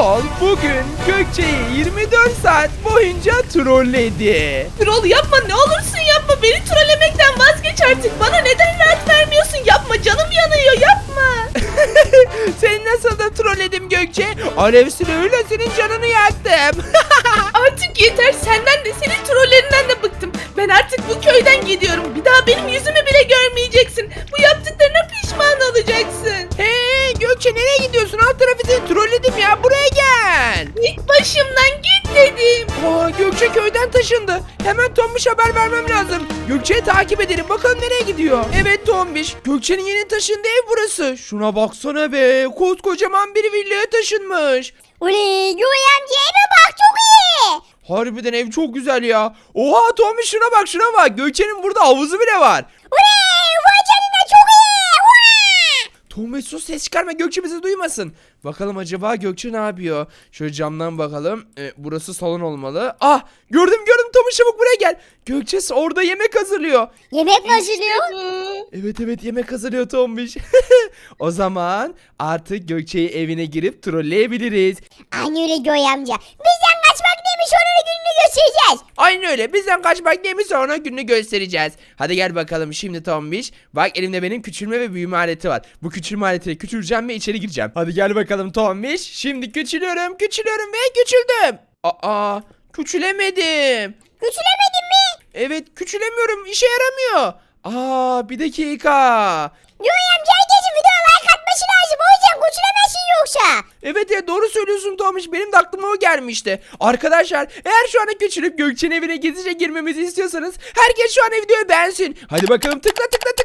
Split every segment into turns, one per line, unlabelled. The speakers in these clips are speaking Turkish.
Gürol bugün Gökçe'yi 24 saat boyunca trolledi.
Troll yapma, ne olursun yapma. Beni trollemekten vazgeç artık. Bana neden rahat vermiyorsun? Yapma, canım yanıyor, yapma.
Seni nasıl da trolledim Gökçe? Alev silahıyla senin canını yaktım.
Artık yeter, senden de senin trollerinden de bıktım. Ben artık bu köyden gidiyorum. Bir daha benim yüzümü bile görmeyeceksin. Bu yaptıklarına pişman olacaksın.
Hey Gökçe, nereye gidiyorsun? Alt tarafı seni trolledim ya, buraya gel.
Git başımdan, git dedim.
Aa, Gökçe köyden taşındı. Hemen Tombiş haber vermem lazım. Gökçe'yi takip edelim, bakalım nereye gidiyor. Evet Tombiş, Gökçe'nin yeni taşındığı ev burası. Şuna baksana be, koskocaman bir villaya taşınmış.
Uli Göğe amca eve bak, çok iyi.
Harbiden ev çok güzel ya. Oha Tombiş, şuna bak şuna bak. Gökçe'nin burada havuzu bile var.
Uli vay canına, çok iyi. Vay!
Tombiş sus, ses çıkarma, Gökçe bizi duymasın. Bakalım acaba Gökçe ne yapıyor? Şöyle camdan bakalım. Burası salon olmalı. Ah, gördüm Tombiş, çabuk buraya gel. Gökçe orada yemek hazırlıyor.
Yemek mi hazırlıyor?
Evet yemek hazırlıyor Tombiş. O zaman artık Gökçe'yi evine girip trolleyebiliriz.
Aynı öyle Göğe amca. Bizden kaçmak neymiş, onun gününü göstereceğiz.
Aynen öyle, bizden kaçmak neymiş sonra gününü göstereceğiz. Hadi gel bakalım şimdi Tombiş. Bak elimde benim küçülme ve büyüme aleti var. Bu küçülme aletiyle küçüleceğim ve içeri gireceğim. Hadi gel bakalım Tombiş. Şimdi küçülüyorum ve küçüldüm. Aa, küçülemedim.
Küçülemedin mi?
Evet, küçülemiyorum, işe yaramıyor. Aa, bir dakika.
Göğe amca herkesin videoya like atması lazım. O yüzden küçülemezsin yoksa.
Evet ya, doğru söylüyorsun Tomiş, benim de aklıma o gelmişti. Arkadaşlar, eğer şu anda küçülüp Gökçe'nin evine gizlice girmemizi istiyorsanız herkes şu an videoyu beğensin. Hadi bakalım, tıkla.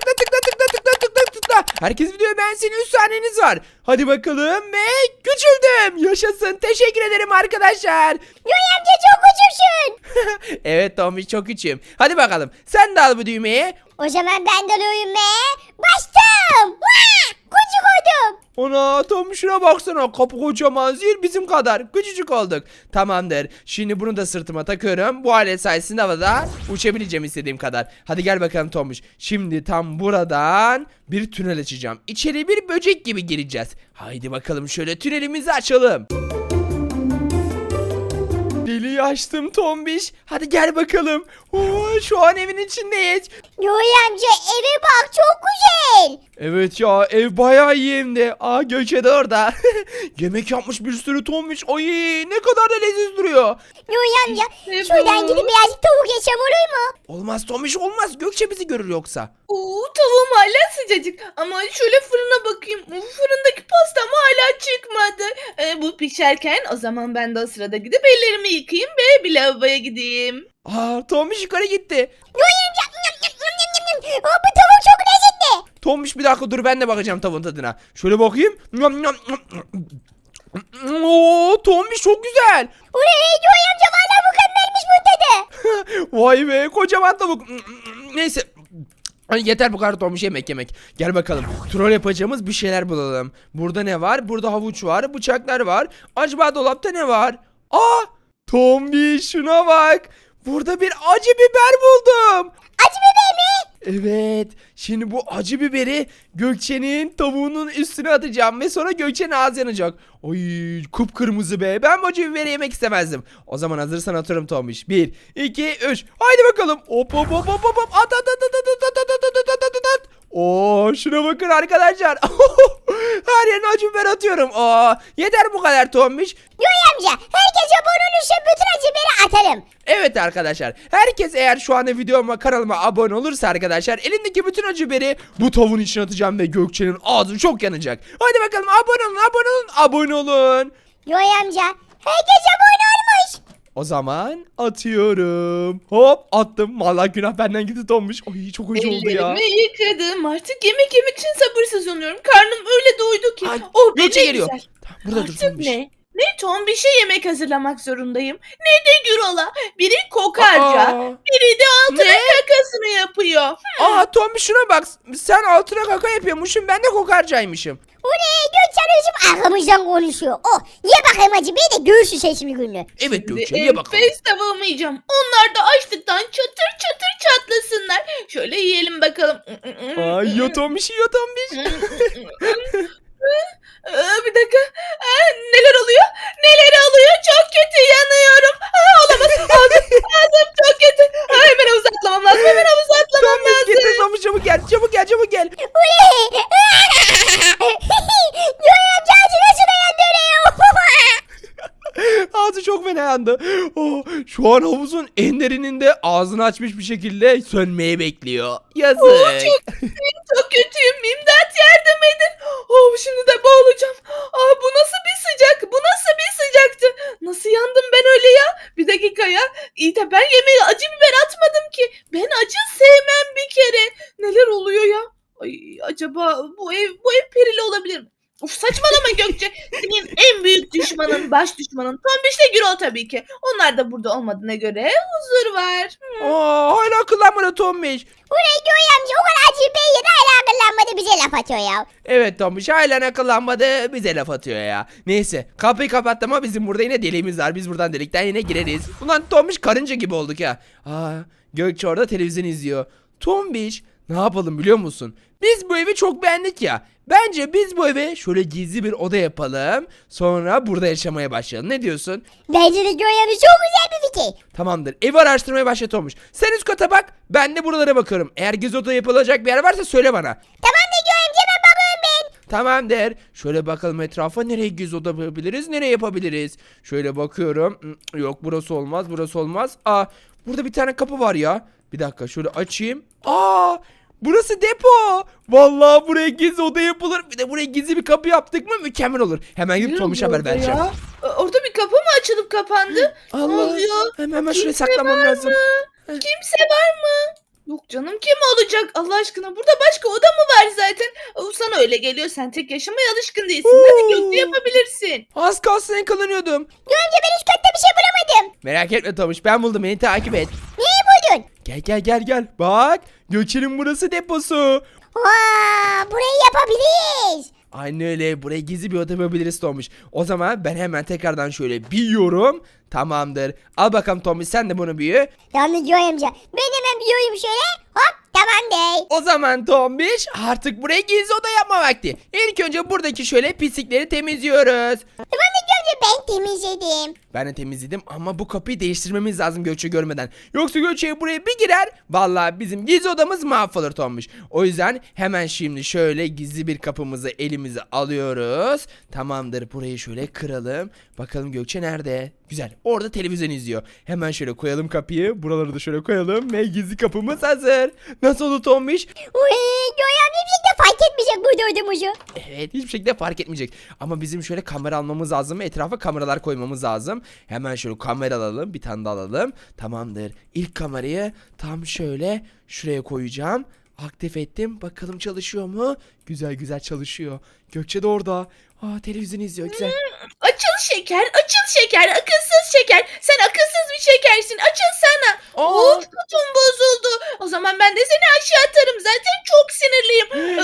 Herkes videoyu beğensin, 3 saniyeniz var. Hadi bakalım ve küçüldüm. Yaşasın, teşekkür ederim arkadaşlar.
Göğe amca çok küçüksün.
Evet Tomiş, çok küçüğüm. Hadi bakalım, sen de al bu düğmeyi.
O zaman ben de alıyorum ve bastım. Vaa! Küçük oldum.
Ona Tom, şuna baksana, kapı kocaman, zil bizim kadar küçücük olduk. Tamamdır, şimdi bunu da sırtıma takıyorum. Bu alet sayesinde havada uçabileceğim istediğim kadar. Hadi gel bakalım Tomuş. Şimdi tam buradan bir tünel açacağım. İçeri bir böcek gibi gireceğiz. Haydi bakalım, şöyle tünelimizi açalım. Deliği açtım Tombiş. Hadi gel bakalım. Oo, şu an evin içindeyiz.
Göğe amca eve bak, çok güzel.
Evet ya, ev bayağı iyi hem de. Aa, Gökçe de orada. Yemek yapmış bir sürü Tombiş. Ay, ne kadar da leziz duruyor.
Göğe amca
Evet.
şuradan gidip birazcık tavuk yesem olur mu?
Olmaz Tombiş, olmaz. Gökçe bizi görür yoksa.
Tavuğum hala sıcacık. Ama şöyle fırına bakayım. Fırındaki pastam hala çıkmadı. Bu pişerken o zaman ben de o sırada gidip ellerimi yıkayayım ve bir lavaboya gideyim.
Aa, Tombiş yukarı gitti.
Göğe amca bu tavuk çok lezzetli.
Tombiş bir dakika dur, ben de bakacağım tavuğun tadına. Şöyle bakayım. Oo, Tombiş çok güzel.
Uley Göğe amca valla mükemmelmiş bu tadı.
Vay be, kocaman tavuk. Neyse. Hani yeter bu kadar Tombiş, yemek. Gel bakalım. Troll yapacağımız bir şeyler bulalım. Burada ne var? Burada havuç var, bıçaklar var. Acaba dolapta ne var? Aa! Tombiş şuna bak. Burada bir acı biber buldum.
Acı biber mi?
Evet. Şimdi bu acı biberi Gökçe'nin tavuğunun üstüne atacağım ve sonra Gökçe'nin ağzı yanacak. Ay, kıpkırmızı be. Ben bu acı biberi yemek istemezdim. O zaman hazırsan atıyorum Tombiş. 1, 2, 3. Haydi bakalım. Hop. At. Oo, şuna bakın arkadaşlar. Her yerine acı biber atıyorum. Aa, yeter bu kadar Tombiş.
Göğe amca herkes abone olursa bütün acı biberi atarım.
Evet arkadaşlar, herkes eğer şu anda videoma, kanalıma abone olursa arkadaşlar, elindeki bütün acı biberi bu tavuğun içine atacağım ve Gökçe'nin ağzı çok yanacak. Hadi bakalım, abone olun.
Göğe amca herkes abone olmuş.
O zaman atıyorum. Hop, attım. Vallahi günah benden gitti Tombiş. Ay, çok acı oldu ya.
Ellerimi yıkadım. Artık yemek yemek için sabırsızlanıyorum. Karnım öyle doydu ki.
Ay,
Oh,
Gökçe
ne
geliyor.
güzel.
Tamam, burada dur
Artık
Tombiş.
ne? Ne Tombiş'e yemek hazırlamak zorundayım. Ne de Gürol'a. Biri kokarca,
Aa.
biri de altına
Ne?
kakasını yapıyor.
Aa, Tombiş şuna bak. Sen altına kaka yapıyormuşsun, ben de kokarcaymışım.
Uley Gökçen özüm arkamızdan konuşuyor. Oh ye bakayım acı biberi de göğsü sesimi günlü.
Evet Gökçe,
Şimdi
ye bakalım.
enfes tavuğumu yiyeceğim. Onlar da açlıktan çatır çatır çatlasınlar. Şöyle yiyelim bakalım.
Ay, yiyor Tombiş.
Bir dakika. Neler oluyor? Neler
fena yandı. Oh, şu an havuzun en derininde ağzını açmış bir şekilde sönmeye bekliyor. Yazık.
Çok kötüyüm. İmdat yardım edin. Oh, şimdi de boğulacağım. Bu nasıl bir sıcak? Bu nasıl bir sıcaktı? Nasıl yandım ben öyle ya? Bir dakika ya. İyi de ben yemeğe acı biber atmadım ki. Ben acı sevmem bir kere. Neler oluyor ya? Ay, acaba bu ev perili olabilir mi? Uf, saçmalama Gökçe. Senin en büyük düşmanın, baş düşmanın Tombiş'le Gürol tabii ki. Onlar da burada olmadığına göre huzur var.
Hala akıllanmadı Tombiş.
Ulan Joy amca o kadar acı bey yedi hala akıllanmadı bize laf atıyor ya.
Evet Tombiş hala akıllanmadı, bize laf atıyor ya. Neyse, kapıyı kapattı ama bizim burada yine deliğimiz var. Biz buradan delikten yine gireriz. Ulan Tombiş karınca gibi olduk ya. Gökçe orada televizyon izliyor. Tombiş, ne yapalım biliyor musun? Biz bu evi çok beğendik ya. Bence biz bu eve şöyle gizli bir oda yapalım. Sonra burada yaşamaya başlayalım. Ne diyorsun?
Bence de Joy amca çok güzel bir fikir.
Tamamdır. Evi araştırmaya başlat Tombiş. Sen üst kata bak. Ben de buralara bakıyorum. Eğer gizli oda yapılacak bir yer varsa söyle bana.
Tamam da Joy amca ben bakıyorum ben.
Tamam der. Şöyle bakalım etrafa, nereye gizli oda yapabiliriz, nereye yapabiliriz. Şöyle bakıyorum. Yok, burası olmaz, burası olmaz. Burada bir tane kapı var ya. Bir dakika şöyle açayım. Burası depo. Vallahi buraya gizli oda yapılır. Bir de buraya gizli bir kapı yaptık mı mükemmel olur. Hemen gidip Tomiş'e haber vereceğim.
Ya? Orada bir kapı mı açılıp kapandı? Ne
Allah.
oluyor?
Hemen şuraya
Kimse
saklamam
var
lazım.
mı? Kimse var mı? Yok canım, kim olacak Allah aşkına? Burada başka oda mı var zaten? Sana öyle geliyor, sen tek yaşamaya alışkın değilsin. Hadi Gökçe, yapabilirsin.
Az kalsın yakalanıyordum.
Joy amca ben hiç kötü bir şey bulamadım.
Merak etme Tomiş, ben buldum, beni takip et.
Neyi buldun?
Gel. Bak, Gökçe'nin burası deposu.
Burayı yapabiliriz.
Aynen öyle. Buraya gizli bir oda yapabiliriz Tomiş. O zaman ben hemen tekrardan şöyle büyüyorum. Tamamdır. Al bakalım Tomiş, sen de bunu büyü.
Tamam Joy amca. Ben hemen biliyorum şöyle. Hop tamam dey.
O zaman Tomiş artık buraya gizli oda yapma vakti. İlk önce buradaki şöyle pislikleri temizliyoruz.
Tamam da Joy amca ben temizledim.
Ben de temizledim ama bu kapıyı değiştirmemiz lazım Gökçe görmeden. Yoksa Gökçe buraya bir girer. Vallahi bizim gizli odamız mahvolur Tomiş. O yüzden hemen şimdi şöyle gizli bir kapımızı elimize alıyoruz. Tamamdır, burayı şöyle kıralım. Bakalım Gökçe nerede? Güzel, orada televizyon izliyor. Hemen şöyle koyalım kapıyı. Buraları da şöyle koyalım ve gizli kapımız hazır. Nasıl oldu Tomiş?
Uy Joy amca bir şey de fark etmeyecek burada olduğumuzu.
Evet, hiçbir şekilde fark etmeyecek. Ama bizim şöyle kamera almamız lazım ve etrafa kameralar koymamız lazım. Hemen şöyle kamera alalım, bir tane de alalım. Tamamdır. İlk kamerayı tam şöyle şuraya koyacağım. Aktif ettim. Bakalım çalışıyor mu? Güzel çalışıyor. Gökçe de orada. Televizyon izliyor. Güzel.
Açıl şeker, akılsız şeker. Sen akılsız bir şekersin, açılsana. Of, kutum bozuldu. O zaman ben de seni aşağı atarım, zaten çok sinirliyim.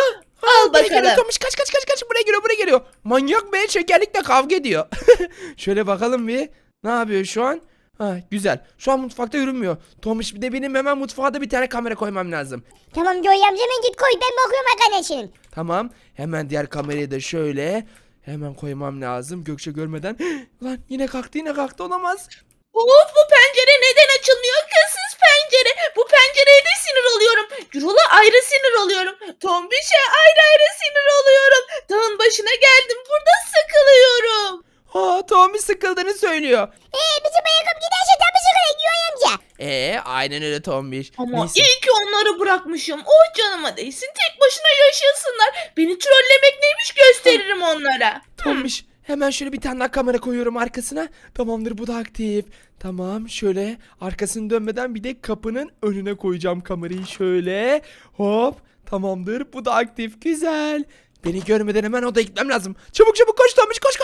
Al
Buraya geliyor
bakalım.
Tomiş, kaç. Buraya geliyor. Manyak be, şekerlikle kavga ediyor. Şöyle bakalım bir. Ne yapıyor şu an? Güzel. Şu an mutfakta yürümüyor. Tomiş, bir de benim hemen mutfağa da bir tane kamera koymam lazım.
Tamam Joy amca hemen git koy ben bakıyorum arkadaşım.
Tamam. Hemen diğer kamerayı da şöyle hemen koymam lazım Gökçe görmeden. Lan yine kalktı olamaz.
Of, bu pencere neden açılmıyor? Akılsız pencere. Bu pencereye de sinir oluyorum. Gürol'a ayrı sinir oluyorum. Tombiş'e ayrı sinir oluyorum. Dağın başına geldim. Burada sıkılıyorum.
Tommy sıkıldığını söylüyor.
Bizim ayakkabı giderse tabii sıkılır Joy amca.
Aynen öyle Tombiş.
Ama
Neyse.
iyi ki onları bırakmışım. Oh, canıma değsin. Tek başına yaşasınlar. Beni trollemek neymiş gösteririm onlara.
Tombiş, hemen şöyle bir tane daha kamera koyuyorum arkasına. Tamamdır, bu da aktif. Tamam, şöyle arkasını dönmeden bir de kapının önüne koyacağım kamerayı şöyle. Hop, tamamdır, bu da aktif. Güzel. Beni görmeden hemen odaya gitmem lazım. Çabuk koş Tombiş, koş.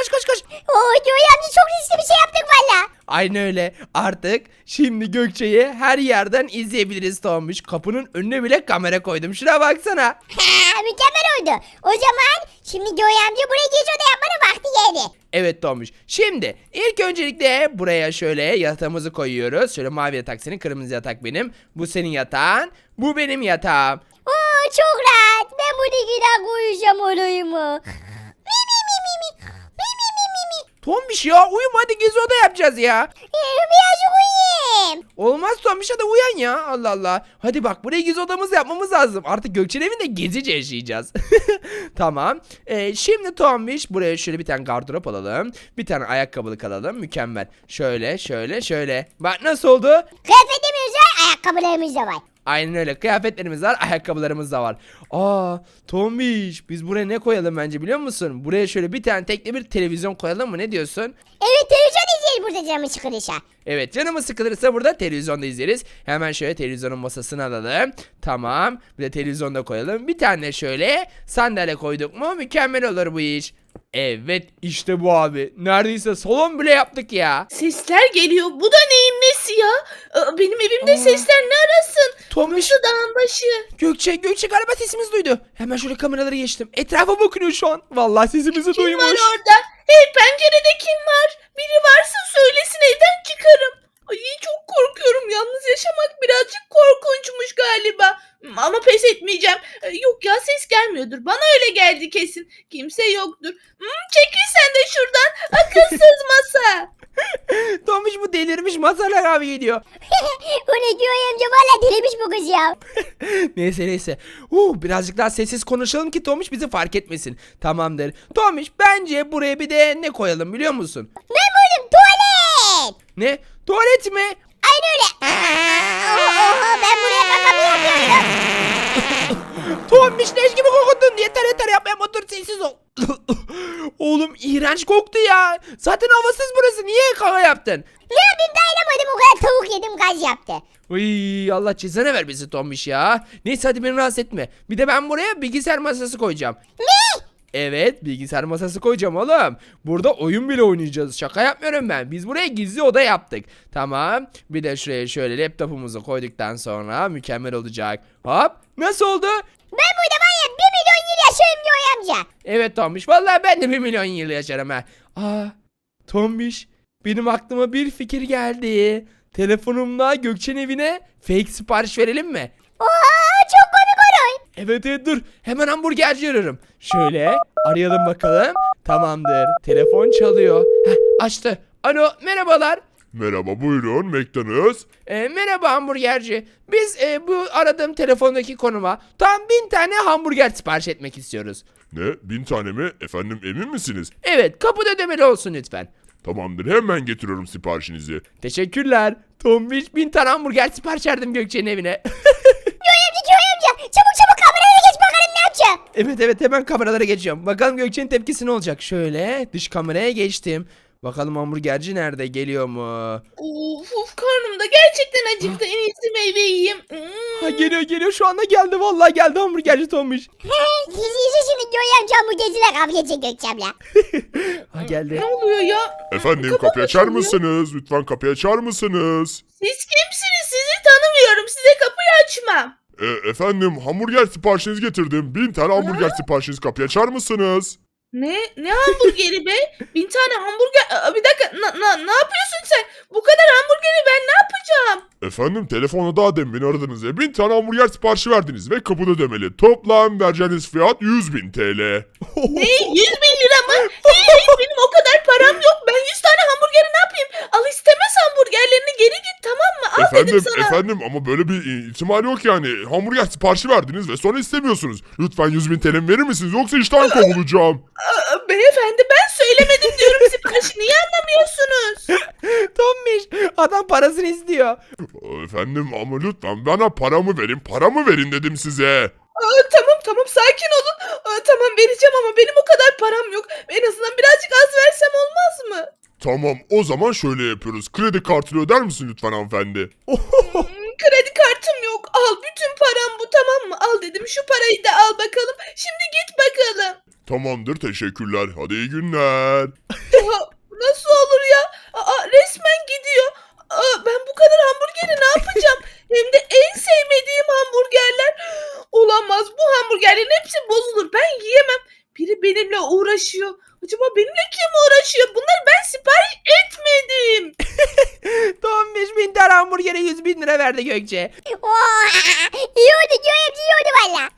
Joy amca çok riskli bir şey yaptık valla.
Aynen öyle. Artık şimdi Gökçe'yi her yerden izleyebiliriz Tombiş. Kapının önüne bile kamera koydum. Şuna baksana.
Mükemmel oldu. O zaman şimdi Joy amca buraya geç oda yapmanın vakti geldi.
Evet Tombiş. Şimdi ilk öncelikle buraya şöyle yatağımızı koyuyoruz. Şöyle mavi yatak senin, kırmızı yatak benim. Bu senin yatağın. Bu benim yatağım.
Çok rahat. Ben burada gider koyacağım olayımı.
Tombiş ya uyuma hadi gezi oda yapacağız ya.
Birazcık uyuyayım.
Olmaz Tombiş hadi uyan ya Allah Allah. Hadi bak buraya gezi odamızı yapmamız lazım. Artık Gökçe'nin evinde gezice yaşayacağız. Tamam. Şimdi Tombiş buraya şöyle bir tane gardırop alalım. Bir tane ayakkabılık alalım. Mükemmel. Şöyle. Bak nasıl oldu?
Kıyafetimiz var, ayakkabılarımız da var.
Aynen öyle. Kıyafetlerimiz var, ayakkabılarımız da var. Aa, Tombiş, biz buraya ne koyalım bence biliyor musun? Buraya şöyle bir tane tekli bir televizyon koyalım mı? Ne diyorsun?
Evet, televizyon izleyelim burada canımı sıkılırsa.
Evet, canımız sıkılırsa burada televizyonda izleriz. Hemen şöyle televizyonun masasını alalım. Tamam. Bir de televizyon da koyalım. Bir tane şöyle sandalye koyduk mu mükemmel olur bu iş. Evet, işte bu abi. Neredeyse salon bile yaptık ya.
Sesler geliyor. Bu da neyin nesi ya? Benim evimde sesler ne arasın?
Tombiş,
Burası dağın başı.
Gökçe galiba sesimizi duydu. Hemen şöyle kameraları geçtim. Etrafa bakıyor şu an. Vallahi sesimizi
Kim
duymuş.
var orada? Hey, pencerede kim var? Biri varsa söylesin, evden çıkarım. Ay, çok korkuyorum. Yalnız yaşamak birazcık korkunçmuş galiba. Ama pes etmeyeceğim. Yok ya, ses gelmiyordur. Bana öyle geldi kesin. Kimse yoktur. Çekil sen de şuradan. Akılsız masa.
Tombiş bu delirmiş Mazhar abi geliyor.
O ne diyor amca, valla delirmiş bu kız ya.
Neyse. Birazcık daha sessiz konuşalım ki Tomiş bizi fark etmesin. Tamamdır. Tomiş bence buraya bir de ne koyalım biliyor musun?
Ne buldum, tuvalet.
Ne? Tuvalet mi?
Aynen öyle. Oho, ben buraya kakamı yapıyorum.
Tomiş leş gibi kokuttun. Yeter yapmaya otur sessiz ol. Oğlum iğrenç koktu ya. Zaten havasız burası. Niye kaka yaptın?
Ne yapayım, dayanamadım, o kadar tavuk yedim, gaz yaptı.
Uy, Allah cezanı vermesin Tomiş ya. Neyse hadi beni rahatsız etme. Bir de ben buraya bilgisayar masası koyacağım.
Ne?
Evet bilgisayar masası koyacağım oğlum. Burada oyun bile oynayacağız. Şaka yapmıyorum ben. Biz buraya gizli oda yaptık. Tamam. Bir de şuraya şöyle laptopumuzu koyduktan sonra mükemmel olacak. Hop. Nasıl oldu?
Ben burada var ya 1 milyon yıl yaşarım diyor amca.
Evet Tombiş. Vallahi ben de 1 milyon yıl yaşarım ha. Tombiş. Benim aklıma bir fikir geldi. Telefonumla Gökçe'nin evine fake sipariş verelim mi?
Oha, çok komik olur.
Evet dur. Hemen hamburgerci arıyorum. Şöyle arayalım bakalım. Tamamdır. Telefon çalıyor. Açtı. Alo merhabalar.
Merhaba buyurun McDonald's.
Merhaba hamburgerci. Biz bu aradığım telefondaki konuma tam 1000 tane hamburger sipariş etmek istiyoruz.
Ne 1000 tane mi? Efendim emin misiniz?
Evet kapıda ödemeli olsun lütfen.
Tamamdır hemen getiriyorum siparişinizi.
Teşekkürler. Tombiş 1000 tane hamburger sipariş verdim Gökçe'nin evine.
Joy amca, çabuk kameraya geç bakalım ne yapacağım.
Evet hemen kameralara geçiyorum. Bakalım Gökçe'nin tepkisi ne olacak. Şöyle dış kameraya geçtim. Bakalım hamburgerci nerede, geliyor mu?
Of, karnım da gerçekten acıktı. En iyisi meyve yiyeyim.
Ha, geliyor şu anda geldi, vallahi geldi hamburgerci Tombiş.
Gizli şimdi Joy amca bu geziler kavga edecek Gökçem'le.
Ha geldi.
Ne oluyor ya?
Efendim
Kapı
kapıyı açar
açılıyor.
mısınız? Lütfen kapıyı açar mısınız?
Siz kimsiniz? Sizi tanımıyorum. Size kapıyı açmam.
Efendim hamburger siparişinizi getirdim. 1000 tane hamburger siparişiniz kapıyı açar mısınız?
Ne hamburgeri be? 1000 tane hamburger. Bir dakika. Ne yapıyorsun sen? Bu kadar hamburgeri ben ne yapacağım?
Efendim telefonda daha demin beni aradınız ve 1000 tane hamburger siparişi verdiniz ve kapıda ödemeli. Toplam vereceğiniz fiyat 100.000 TL.
Ne? 100.000 lira mı? Hey, benim o kadar param yok. Ben 100 tane hamburgeri ne yapayım? Al istemez hamburgerlerini, geri git, tamam mı? Al dedim sana.
Efendim ama böyle bir ihtimal yok yani. Hamburger siparişi verdiniz ve sonra istemiyorsunuz. Lütfen 100.000 TL verir misiniz yoksa işten kovulacağım.
Beyefendi, ben söylemedim diyorum siparişi. Niye anlamıyorsunuz?
Tombiş adam parasını istiyor.
Efendim ama lütfen bana paramı verin dedim size.
Tamam, sakin olun. Tamam, vereceğim ama benim o kadar param yok. En azından birazcık az versem olmaz mı?
Tamam o zaman şöyle yapıyoruz. Kredi kartıyla öder misin lütfen hanımefendi?
Kredi kartım yok. Al, bütün param bu, tamam mı? Al dedim, şu parayı da al bakalım. Şimdi git bakalım.
Tamamdır teşekkürler. Hadi iyi günler.
Ya, nasıl olur ya? Resmen gidiyor. Ben bu kadar hamburgeri ne yapacağım? Hem de en sevmediğim hamburgerler. Olamaz, bu hamburgerlerin hepsi bozulur. Ben yiyemem. Biri benimle uğraşıyor. Acaba benimle kim uğraşıyor? Bunları ben sipariş etmedim.
Tombiş 1000 tane hamburgere 100.000 lira lira verdi Gökçe.
Oo, iyi oldu Joy amca, iyi oldu valla.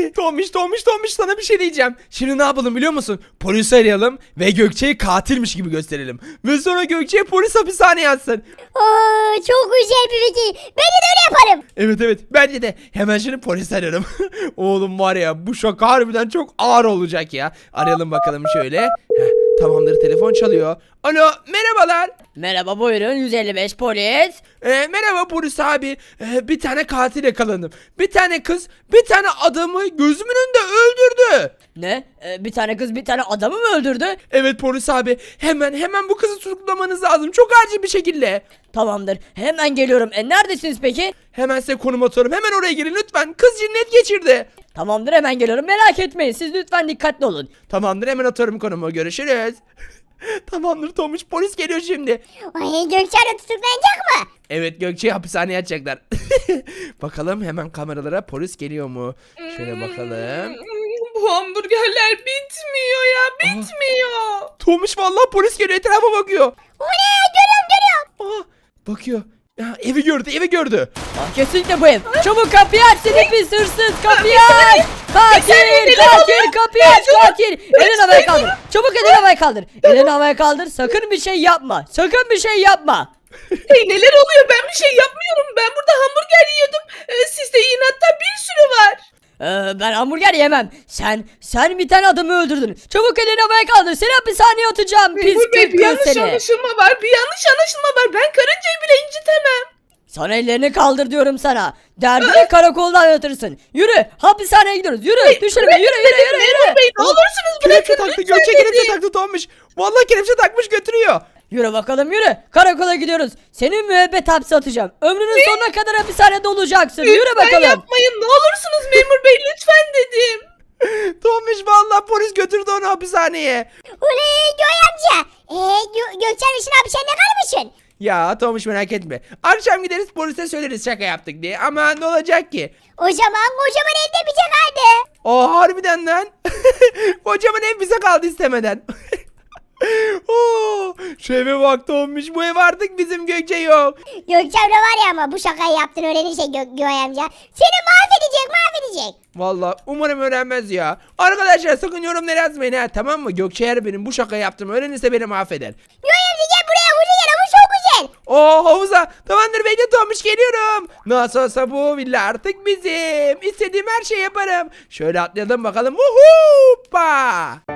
Tomiş sana bir şey diyeceğim. Şimdi ne yapalım biliyor musun? Polisi arayalım ve Gökçe'yi katilmiş gibi gösterelim. Ve sonra Gökçe'yi polis hapishaneye atsın.
Oo, çok güzel bir fikir. Ben de öyle yaparım.
Evet bence de. Hemen şimdi polis ararım. Oğlum var ya bu şaka harbiden çok ağır olacak ya. Arayalım bakalım şöyle. Heh, tamamdır telefon çalıyor. Alo merhabalar.
Merhaba buyurun 155 polis.
Merhaba polis abi. Bir tane katil yakaladım. Bir tane kız bir tane adamı gözümün önünde öldürdü.
Ne? Bir tane kız bir tane adamı mı öldürdü?
Evet polis abi hemen bu kızı tutuklamanız lazım. Çok acil bir şekilde.
Tamamdır hemen geliyorum. Neredesiniz peki?
Hemen size konum atıyorum. Hemen oraya gelin lütfen. Kız cinnet geçirdi.
Tamamdır hemen geliyorum merak etmeyin siz lütfen dikkatli olun.
Tamamdır hemen atıyorum konumu. Görüşürüz. Tamamdır Tomuş polis geliyor şimdi.
Ay, Gökçe abla tutuklanacak mı?
Evet Gökçe'yi hapishaneye atacaklar. Bakalım hemen kameralara polis geliyor mu? Şöyle bakalım.
Bu hamburgerler bitmiyor ya, bitmiyor.
Tomuş vallahi polis geliyor etrafa bakıyor.
O ne? Görüyorum.
Aa, bakıyor. Ya, evi gördü.
Kesinlikle bu ev. Çabuk kapıyı aç seni pis hırsız kapıyı aç. Katil kapıyı aç katil. Elini havaya kaldır. Çabuk elini havaya kaldır. Elini havaya kaldır sakın bir şey yapma. Sakın bir şey yapma.
Hey, neler oluyor? Ben bir şey yapmıyorum. Ben burada hamburger yiyordum. Sizde inatta bir sürü var.
Ben hamburger yemem. Sen bir tane adamı öldürdün. Çabuk elini havaya kaldır. Seni hapishaneye atacağım. Pis
Memur Bey, bir
kütkün
yanlış
seni.
anlaşılma var. Bir yanlış anlaşılma var. Ben karıncayı bile incitemem.
Sana ellerini kaldır diyorum sana. Derdini karakolda anlatırsın. Yürü hapishaneye gidiyoruz. Yürü düşürme yürü.
Memur Bey, ne olursunuz
Kelepçe
bırakın.
taktı
lütfen
Gökçe
dedim.
kelepçe taktı Tomuş. Vallahi kelepçe takmış götürüyor.
Yürü bakalım yürü. Karakola gidiyoruz. Seni müebbet hapse atacağım. Ömrünün sonuna kadar hapishanede olacaksın. Yürü
Lütfen
bakalım.
yapmayın. Ne olursunuz memur bey, lütfen dedim.
Tomuş vallahi polis götürdü onu hapishaneye.
Oley Joy amca. Gökçe abla şimdi hapishanede kalmışsın.
Ya Tomuş merak etme. Akşam gideriz polise söyleriz şaka yaptık diye. Ama ne olacak ki?
O zaman kocaman evde bize kaldı.
O harbiden lan. Kocaman ev bize kaldı istemeden. Oo, şu eve bak Tomuş. Bu ev artık bizim Gökçe yok.
Gökçe abla var ya, ama bu şakayı yaptığını öğrenirse Joy amca seni mahvedecek.
Vallahi umarım öğrenmez ya. Arkadaşlar sakın yorumlara yazmayın ha, tamam mı? Gökçe eğer benim bu şakayı yaptığımı öğrenirse beni mahveder.
Joy amca gel buraya, havuza gel, havuz çok güzel.
Oo havuza. Tamamdır bekle Tomuş geliyorum. Nasıl olsa bu villa artık bizim. İstediğim her şeyi yaparım. Şöyle atlayalım bakalım. Hoppa.